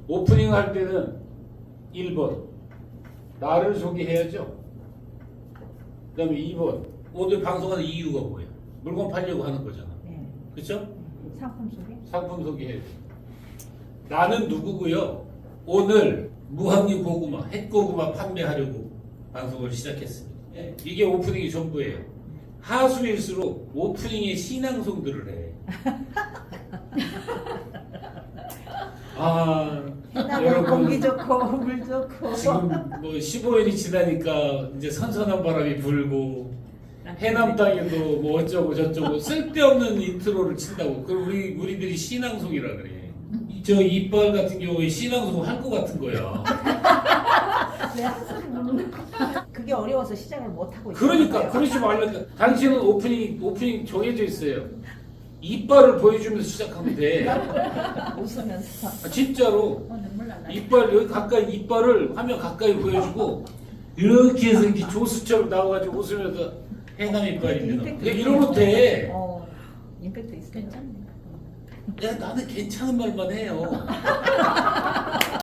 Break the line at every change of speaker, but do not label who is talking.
오프닝 할 때는 1번 나를 소개해야죠. 그 다음에 2번 오늘 방송하는 이유가 뭐예요? 물건 팔려고 하는 거잖아.
네.
그렇죠?
상품 소개?
상품 소개해야죠. 나는 누구고요? 오늘 무항류 고구마, 햇고구마 판매하려고 방송을 시작했습니다. 예, 이게 오프닝이 전부예요. 하수일수록 오프닝에 신앙송들을 해. 아,
해나무 공기 좋고 물 좋고
지금 뭐 15일이 지나니까 이제 선선한 바람이 불고 해남 땅에도 뭐 어쩌고 저쩌고 쓸데없는 인트로를 친다고. 그럼 우리들이 신앙송이라 그래. 저 이빨 같은 경우에 신앙송 할 것 같은 거야.
왜 한소리 부르는 거야? 그게 어려워서 시작을 못 하고 있어요.
그러니까 그러지 말라니까. 당신은 오프닝 정해져 있어요. 이빨을 보여주면서 시작하면 돼.
웃으면서
아, 진짜로.
눈물 날라.
이빨 여기 가까이 이빨을 화면 가까이 보여주고 이렇게 해서 이렇게 조수처럼 나와가지고 웃으면서 해남 이빨입니다. 그냥 이러면 돼.
임팩트 있어. 괜찮네.
야 나는 괜찮은 말만 해요.